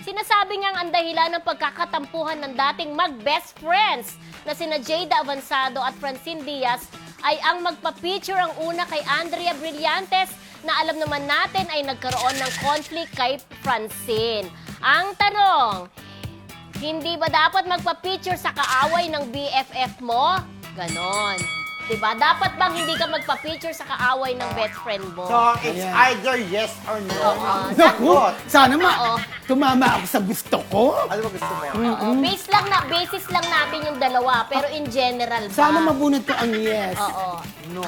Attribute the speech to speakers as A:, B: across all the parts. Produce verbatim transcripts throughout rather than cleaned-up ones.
A: Sinasabi niyang ang dahilan ng pagkakatampuhan ng dating mag-best friends na sina Jada Avanzado at Francine Diaz ay ang magpa-feature ang una kay Andrea Brillantes na alam naman natin ay nagkaroon ng conflict kay Francine. Ang tanong, hindi ba dapat magpa-feature sa kaaway ng B F F mo? Ganon. Diba? Dapat bang hindi ka magpa-feature sa kaaway ng best friend mo?
B: So, it's
C: Ayan.
B: either yes or no.
A: Oo.
C: Naku,
B: Sagot.
C: sana ma
A: Oo.
C: tumama ako sa gusto ko.
B: Ano ba gusto mo?
A: Oo. Base lang na, basis lang natin yung dalawa, pero in general ba?
C: Sana mabunot ko ang yes.
A: Oo.
B: No.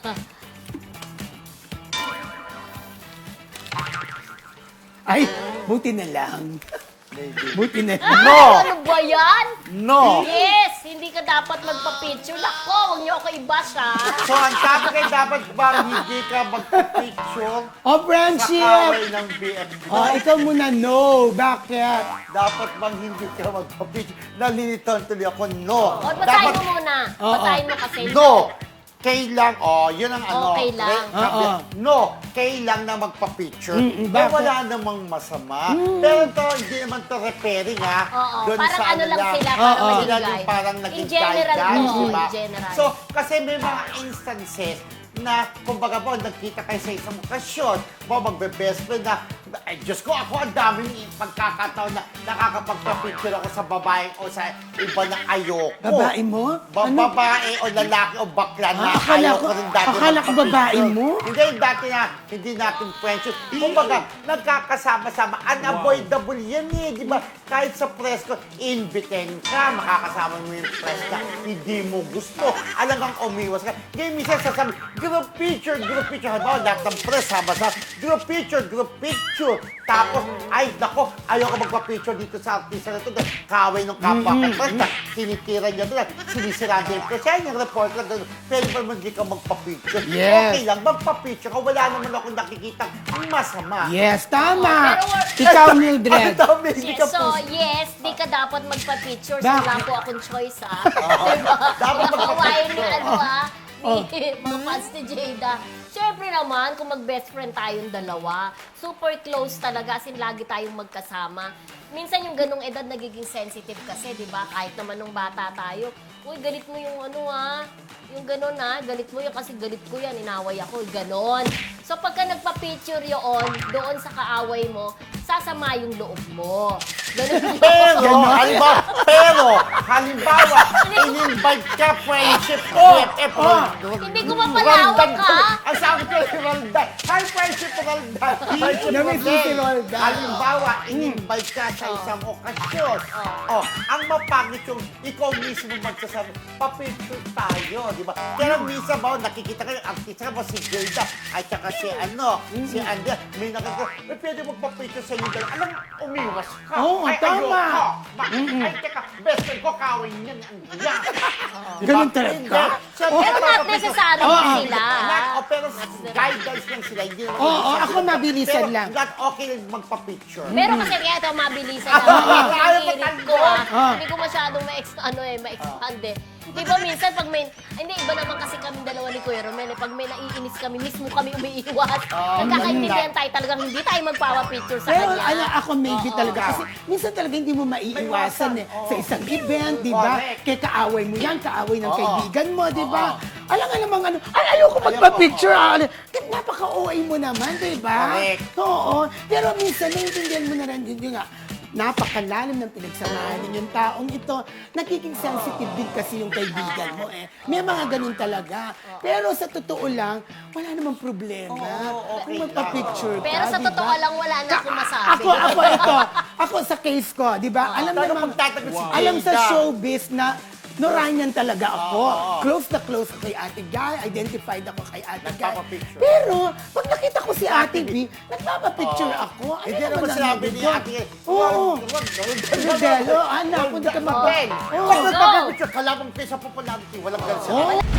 C: Ay, buti na lang.
B: Maybe.
C: Buti na lang.
A: Ay,
B: No.
A: ano ba yan?
B: No.
A: Yes, hindi ka dapat magpa-picture. Nako, huwag niyo ako i-bash, ha?
B: So, ang topic ay dapat ba hindi ka magpipicture
C: Oh,
B: sa
C: friendship!
B: kaway ng B F F?
C: Oh, ikaw muna, no. Bakit?
B: Dapat bang hindi ka magpapicture? Nalilitan tuloy ako, no.
A: O, basahin mo muna.
C: Oo.
A: Basahin mo kasi.
B: No. Kailang, oh, yun ang ano.
A: Okay lang.
B: re- sabi-
C: Oo.
B: No, kailang na magpa-picture.
C: Mm-mm,
B: Eh,
C: bakit?
B: wala namang masama. Pero to, hindi naman to repairing, ha?
A: Oo,
B: Doon
A: parang
B: sa
A: ano lang sila,
C: Oo.
A: parang
C: Oo.
A: maging
B: Sila
A: guide.
B: yung parang naging
A: In general,
B: guide,
A: oo,
B: diba?
A: in general.
B: So, kasi may mga instances na, kumbaga po, nagkita kayo sa isang okasyon, po, magbe-best friend na, ay, Diyos ko, ako ang daming pagkakataon na nakakapagpa-picture ako sa babae o sa iba na ayoko.
C: Babae mo?
B: Ba-
C: Ano?
B: Babae o lalaki o bakla na
C: Ah, akala
B: ayaw
C: ko-
B: ko rin dati.
C: akala ko
B: magpa-picture.
C: babae mo?
B: Hindi, dati na, hindi natin friendship. Kumbaga, nagkakasama-sama. Unavoidable yan eh, di ba? Kahit sa press ko, inviten ka, makakasama mo yung press na hindi mo gusto. Alam kang umiwas ka. Ngayon, minsan sasabi, group picture, group picture. Halimbawa, lahat ng press, sama sa group picture, group picture. Tapos, ay, nako, ayaw ko magpa-picture dito sa artista na ito. Dahil Kaway ng kapwa ko. Press na, tinitira niya doon. Sinisira niya yung press. Yan yung report lang doon. Pwede ba mo hindi ka magpa-picture?
C: Yes.
B: Okay lang, magpa-picture ka. Wala naman ako nakikita masama.
C: Yes, tama.
A: Pero we're-
C: Ikaw, Mildred.
B: Ano daw, may hindi
A: Yes,
B: ka
A: so,
B: po-
A: yes, di ka dapat magpa-picture. So,
C: Bakit?
A: wala po akong choice, ha? Diba?
B: Dapat
A: Nakakawain ni
B: magpa-picture.
A: ano, ha?
C: Oh.
A: Ni mga fans ni Jada. Siyempre naman, kung mag-best friend tayong dalawa, super close talaga, as in lagi tayong magkasama. Minsan yung ganong edad nagiging sensitive kasi, di ba? Kahit naman nung bata tayo, uy, galit mo yung ano, ha? Yung ganon, ha? Galit mo yun kasi galit ko yan, inaway ako, ganon. So, pagka nagpa-picture yun, doon sa kaaway mo, sasama yung loob mo. Ganon yun.
B: Pero, halimbawa, pero, halimbawa, in-invite ka, friendship, B F F,
C: Oh.
A: Hindi ko mapalawak,
B: Roldan ko.
A: ha?
B: Ang sabi ko si Roldan, hi, friendship, Roldan. Friendship,
C: Namiss mo si Roldan.
B: Halimbawa, in-invite ka sa isang okasyon. Oh, ang mapangit yung ikaw mismo magsasabi, papicture tayo, di ba? Pero minsan ba, nakikita ka yung artista mo, si Gilda, at saka si ano, si Andrea, may nakikita, eh, pwede magpapicture sa inyo dalawa. Alam, umiwas ka.
C: Oo,
B: Ay,
C: tama.
B: ayoko. Bakit? Ay, teka, best friend ko, kawin niyan, Andrea. Di ba?
C: Ganun talaga?
B: Hindi. Siyempre,
A: Pero not
B: papapicture-
A: necessary
C: Oo.
A: sila.
B: Not, oh, pero guidance lang sila. Hindi naman
C: Oo,
B: mabilisan
C: ako
B: sila.
C: mabilisan
B: pero
C: lang.
B: not okay lang magpa-picture.
A: Pero kasi kaya ito mabilisan
B: Ah,
A: lang.
B: ayaw
A: Yung hirit
B: matanda.
A: ko, ah.
C: Ah.
A: Hindi ko masyadong ma-ex- ano eh, ma-expand eh. Di ba minsan pag may, hindi, iba naman kasi kami dalawa ni Kuya Romel eh. Pag may naiinis kami, mismo kami umiiwas.
B: Oh,
A: Nagkakaintindihan tayo talagang hindi tayo magpapapicture sa
C: Pero
A: kanya.
C: ala, ako maybe
A: Oo.
C: talaga. Kasi minsan talaga hindi mo maiiwasan eh.
B: Oo.
C: Sa isang event, di ba?
B: Correct.
C: Kaya kaaway mo yan, kaaway ng
B: Oo.
C: kaibigan mo, di ba?
B: Oo.
C: Alam nga namang ano, ay, ayoko magpa-picture. ah. Napaka-O A mo naman, di ba?
B: Correct.
C: Oo. Pero minsan, naiintindihan mo na rin, yun nga, napakalalim ng pinagsamahan ninyong taong ito. Nagiging sensitive din kasi yung kaibigan mo eh. May mga ganun talaga. Pero sa totoo lang, wala namang problema.
B: Oo, okay
C: Kung magpa-picture ka,
A: Pero sa
C: di
A: totoo
C: ba?
A: lang, wala na akong masabi.
C: Ako, ako ito. Ako sa case ko, di ba? Alam
B: Talagang
C: naman,
B: magtatagal si
C: alam sa
B: Jada.
C: showbiz na Noranyan talaga ako. Close na close ako kay Ate Guy. Identified ako kay Ate Guy.
B: Nagpapapicture.
C: Pero, pag nakita ko si Ate B, nagpapapicture ako. Ano
B: Hindi naman
C: ang
B: sinabi
C: nandun
B: ni
C: doon?
B: Ate.
C: Oo.
B: Wag, wag,
C: Rodelo, anak, hindi ka magpa-
B: Wag,
C: Oo.
B: wag, magpapapicture. Kalabang kayo sa popularity. Walang ganun sila.
C: Oo.